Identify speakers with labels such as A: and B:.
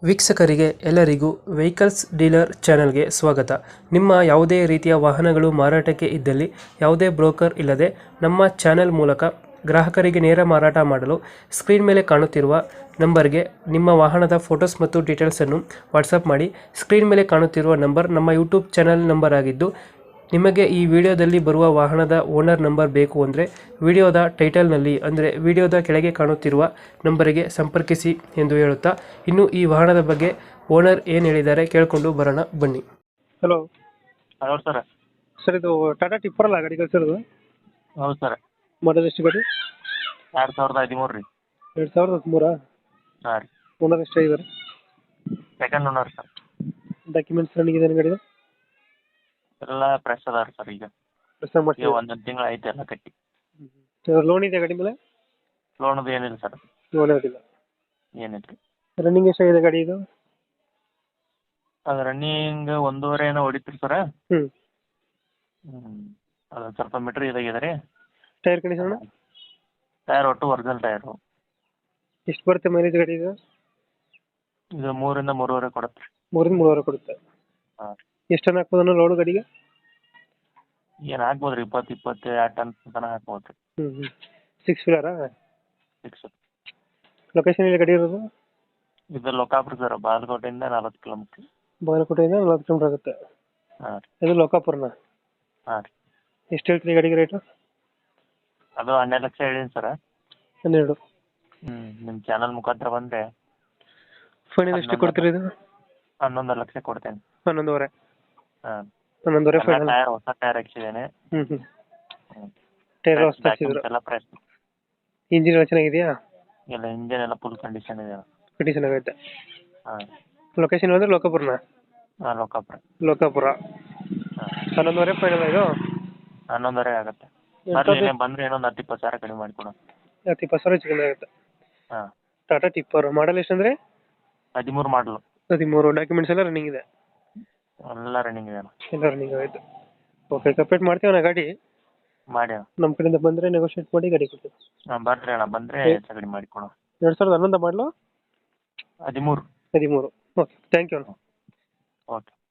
A: ವೀಕ್ಷಕರಿಗೆ ಎಲ್ಲರಿಗೂ vehicles dealer ಚಾನೆಲ್ಗೆ ಸ್ವಾಗತ. ನಿಮ್ಮ ಯಾವುದೇ ರೀತಿಯ ವಾಹನಗಳು ಮಾರಾಟಕ್ಕೆ ಇದ್ದಲ್ಲಿ ಯಾವುದೇ ಬ್ರೋಕರ್ ಇಲ್ಲದೆ ನಮ್ಮ ಚಾನೆಲ್ ಮೂಲಕ ಗ್ರಾಹಕರಿಗೆ ನೇರ ಮಾರಾಟ ಮಾಡಲು ಸ್ಕ್ರೀನ್ ಮೇಲೆ ಕಾಣುತ್ತಿರುವ ನಂಬರ್ಗೆ ನಿಮ್ಮ ವಾಹನದ ಫೋಟೋಸ್ ಮತ್ತು ಡೀಟೇಲ್ಸನ್ನು ವಾಟ್ಸಪ್ ಮಾಡಿ. ಸ್ಕ್ರೀನ್ ಮೇಲೆ ಕಾಣುತ್ತಿರುವ ನಂಬರ್ ನಮ್ಮ ಯೂಟ್ಯೂಬ್ ಚಾನೆಲ್ ನಂಬರ್ ಆಗಿದ್ದು, ನಿಮಗೆ ಈ ವಿಡಿಯೋದಲ್ಲಿ ಬರುವ ವಾಹನದ ಓನರ್ ನಂಬರ್ ಬೇಕು ಅಂದರೆ ವಿಡಿಯೋದ ಟೈಟಲ್ನಲ್ಲಿ ಅಂದರೆ ವಿಡಿಯೋದ ಕೆಳಗೆ ಕಾಣುತ್ತಿರುವ ನಂಬರಿಗೆ ಸಂಪರ್ಕಿಸಿ ಎಂದು ಹೇಳುತ್ತಾ, ಇನ್ನು ಈ ವಾಹನದ ಬಗ್ಗೆ ಓನರ್ ಏನು ಹೇಳಿದ್ದಾರೆ ಕೇಳಿಕೊಂಡು ಬರೋಣ ಬನ್ನಿ. Hello
B: hello sir.
A: ಸರ್, ಇದು ಟಾಟಾ ಟಿಪ್ಪರ್ ಅಲ್ಲ ಗಾಡಿ ಕಳಿಸಿರೋದು?
B: ಹೌದು ಸರ್.
A: ಮಾಡಲ್ ಎಷ್ಟು ಗಾಡಿ?
B: 2013 ರೀ.
A: 2013?
B: ಹಾಂ ರೀ.
A: ಓನರ್ ಎಷ್ಟಾಗಿದ್ದಾರೆ?
B: Second owner sir.
A: Documents running ಇದೆ ಗಾಡಿದು?
B: ಎಲ್ಲ ಫ್ರೆಶ್ ಅದಾರ ಸರ್. ಈಗ ಈಗ ಒಂದೊಂದು ತಿಂಗಳು ಐತೆ ಎಲ್ಲ ಕಟ್ಟಿ.
A: ಲೋನ್ ಇದೆ ಗಾಡಿ ಮೇಲೆ?
B: ಲೋನದು ಏನಿಲ್ಲ ಸರ್.
A: ಲೋನ್ ಇರೋದಿಲ್ಲ?
B: ಏನಿಲ್ಲ ರೀ.
A: ರನ್ನಿಂಗ್ ಎಷ್ಟಾಗಿದೆ ಗಾಡಿ ಇದು?
B: ಅದು ರನ್ನಿಂಗ್ 1.5 ಏನೋ ಹೊಡಿತ್ರಿ ಸರ್.
A: ಹ್ಞೂ.
B: ಅದು ಸ್ವಲ್ಪ ಮೀಟ್ರ್ ಇದಾಗಿದೆ ರೀ.
A: Tyre condition?
B: ಟೈರ್ ಒಟ್ಟು ಒರಿಜಿನಲ್ ಟೈರು.
A: ಎಷ್ಟು ಬರುತ್ತೆ ಮೈಲೇಜ್ ಗಾಡಿ ಇದು?
B: ಇದು 3 ಇಂದ 3.5 ಕೊಡುತ್ತೆ ರೀ.
A: 3 ಇಂದ 3.5 ಕೊಡುತ್ತೆ?
B: ಹಾಂ.
A: ಎಷ್ಟು ಟನ್ ಹಾಕ್ಬೋದು ಲೋಡು ಗಾಡಿಗೆ?
B: ಏನು ಹಾಕ್ಬೋದು ರೀ, 20-22 ಟನ್ ತನಕ ಹಾಕ್ಬೋದು ರೀ.
A: ಹ್ಞೂ. 6 ವೀಲರಾ?
B: 6.
A: ಲೊಕೇಶನ್ ಎಲ್ಲಿ ಗಾಡಿ ಇರೋದು?
B: ಇದು ಲೋಕಾಪುರ ಸರ್. ಬಾಗಲಕೋಟೆಯಿಂದ 40 ಕಿಲೋಮೀಟ್ರ್.
A: ಬಾಗಲಕೋಟೆಯಿಂದ 40 ಕಿಲೋಮೀಟರ್ ಆಗುತ್ತೆ?
B: ಹಾಂ ರೀ.
A: ಇದು ಲೋಕಾಪುರನ?
B: ಹಾಂ ರೀ.
A: ಎಷ್ಟು ಹೇಳ್ತೀರಿ ಗಾಡಿಗೆ ರೇಟು?
B: ಅದು 12 ಲಕ್ಷ ಹೇಳೀನಿ ಸರ್.
A: 12?
B: ನಿಮ್ಮ ಚಾನಲ್ ಮುಖಾಂತರ ಬಂದರೆ
A: ಫೈನಲ್ ಎಷ್ಟು ಕೊಡ್ತೀರಿ ಇದು?
B: 11 ಲಕ್ಷ ಕೊಡ್ತೇನೆ.
A: 11.5?
B: ಹಾಂ.
A: 11.5 ಫೈನಲ್?
B: ಟೈರ್ ಹೊಸ ಟೈರ್ ಹಾಕ್ಸಿದ್ದೇನೆ.
A: ಹ್ಞೂ. ಟೈರ್ ಹೊಸ ಹಾಕ್ಸಿದ್ರು?
B: ಎಲ್ಲ ಫ್ರೆಶ್.
A: ಇಂಜಿನ್ ಎಲ್ಲ ಚೆನ್ನಾಗಿದೆಯಾ?
B: ಎಲ್ಲ ಇಂಜಿನ್ ಎಲ್ಲ ಫುಲ್ ಕಂಡೀಷನ್ ಇದೆ.
A: ಕಂಡೀಷನ್ ಆಗೈತೆ?
B: ಹಾಂ.
A: ಲೊಕೇಶನ್ ಅಂದರೆ ಲೋಕಾಪುರನ?
B: ಹಾಂ, ಲೋಕಾಪುರ.
A: ಲೋಕಾಪುರ.
B: ಹಾಂ.
A: 11.5 ಫೈನಲ್ ಇದು?
B: 11.5 ಆಗುತ್ತೆ. ಬರ್ಲಿ, ಬಂದರೆ ಇನ್ನೊಂದು 10-20 ಸಾವಿರ ಕಡಿಮೆ ಮಾಡಿಕೊಡೋಣ.
A: 10-20 ಸಾವಿರ ಹೆಚ್ಚು ಕಮ್ಮಿ ಆಗುತ್ತೆ?
B: ಹಾಂ.
A: ಟಾಟಾ ಟಿಪ್ಪರ್ ಮಾಡಲ್ ಎಷ್ಟು ಅಂದರೆ?
B: 13 ಮಾಡಲು.
A: 13. ಡಾಕ್ಯುಮೆಂಟ್ಸ್ ಎಲ್ಲ ರನ್ನಿಂಗ್ ಇದೆ?
B: ಎಲ್ಲ ರನ್ನಿಂಗ್ ಇದೆ.
A: ಎಲ್ಲ ರನ್ನಿಂಗ್ ಆಯಿತು. ಓಕೆ, ಕಂಪ್ಲೀಟ್ ಮಾಡ್ತೀವಿ ಅಣ್ಣ ಗಾಡಿ.
B: ಮಾಡಿ.
A: ನಮ್ಮ ಕಡೆಯಿಂದ ಬಂದರೆ ನೆಗೋಷಿಯೇಟ್ ಮಾಡಿ ಗಾಡಿ ಕೊಡ್ತೀವಿ.
B: ಹಾಂ, ಬರ್ರಿ ಅಣ್ಣ, ಬಂದರೆ ಹೆಚ್ಚು ಕಡಿಮೆ ಮಾಡಿಕೊಡೋಣ.
A: 2011 ಮಾಡಲು?
B: 13.
A: 13. ಓಕೆ, ಥ್ಯಾಂಕ್ ಯು ಅಣ್ಣ.
B: ಓಕೆ.